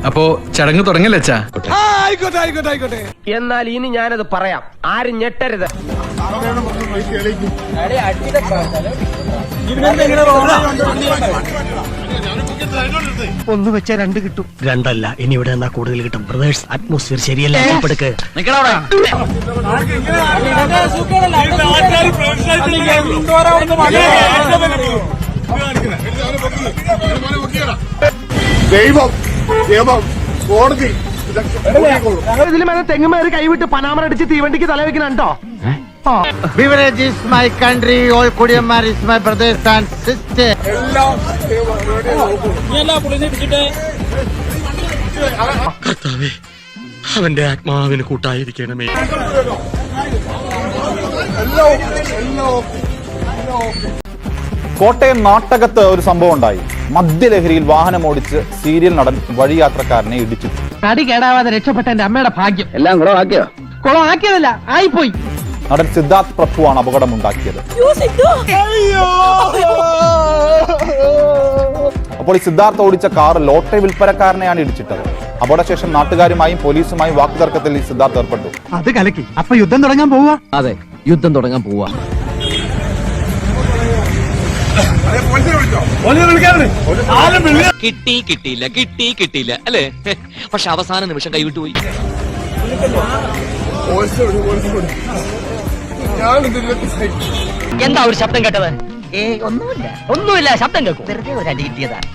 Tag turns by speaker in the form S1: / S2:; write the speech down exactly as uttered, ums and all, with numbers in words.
S1: അപ്പോ ചടങ്ങ് തുടങ്ങല്ലേ അച്ഛാ?
S2: ആയിക്കോട്ടെ ആയിക്കോട്ടെ ആയിക്കോട്ടെ.
S3: എന്നാൽ ഇനി ഞാനത് പറയാം, ആരും ഞെട്ടരുത്.
S4: ഒന്ന് വെച്ചാൽ രണ്ട് കിട്ടും. രണ്ടല്ല, ഇനി ഇവിടെ നിന്നാ കൂടുതൽ കിട്ടും. ബ്രദേഴ്സ്, അറ്റ്മോസ്ഫിയർ ശരിയല്ല. എടുക്ക്.
S5: ദൈവം, നിയമം, കോടതി
S4: ഇതിലും തെങ്ങുമേറി കൈവിട്ട് പനാമറടിച്ച് തീവണ്ടിക്ക് തലവെക്കണോ?
S6: Beverage is my country, all Kodiyamar is my brothers and sisters.
S4: അവന്റെ ആത്മാവിന് കൂട്ടായിരിക്കണമേ.
S7: കോട്ടയം നാട്ടകത്ത് ഒരു സംഭവം ഉണ്ടായി. മദ്യലഹരിയിൽ വാഹനം ഓടിച്ച് സീരിയൽ നടൻ വഴിയാത്രക്കാരനെ ഇടിച്ചു.
S4: തടി കേടാവാതെ രക്ഷപ്പെട്ട എന്റെ അമ്മയുടെ ഭാഗ്യം.
S3: എല്ലാം കുളമാക്കിയോ?
S4: കുളമാക്കിയതല്ല, ആയിപ്പോയി.
S7: നടൻ സിദ്ധാർത്ഥ് പ്രഭുവാണ് അപകടമുണ്ടാക്കിയത്. അപ്പോൾ ഈ സിദ്ധാർത്ഥ് ഓടിച്ച കാർ ലോട്ടറി വിൽപ്പനക്കാരനെയാണ് ഇടിച്ചിട്ടത്. അപകടശേഷം നാട്ടുകാരുമായും പോലീസുമായും വാക്കുതർക്കത്തിൽ ഈ സിദ്ധാർത്ഥ് ഏർപ്പെട്ടു.
S4: അത് കലക്കി. അപ്പൊ യുദ്ധം തുടങ്ങാൻ പോവാ?
S3: അതെ, യുദ്ധം തുടങ്ങാൻ പോവാ.
S8: കിട്ടി കിട്ടിയില്ല കിട്ടി കിട്ടിയില്ല അല്ലേ? പക്ഷെ അവസാന നിമിഷം കൈവിട്ടു പോയി.
S4: എന്താ ഒരു ശബ്ദം കേട്ടത്? ഏ ഒന്നുമില്ല, ഒന്നുമില്ല. ശബ്ദം കേൾക്കും. വെറുതെ ഒരു അടി കിട്ടിയതാ.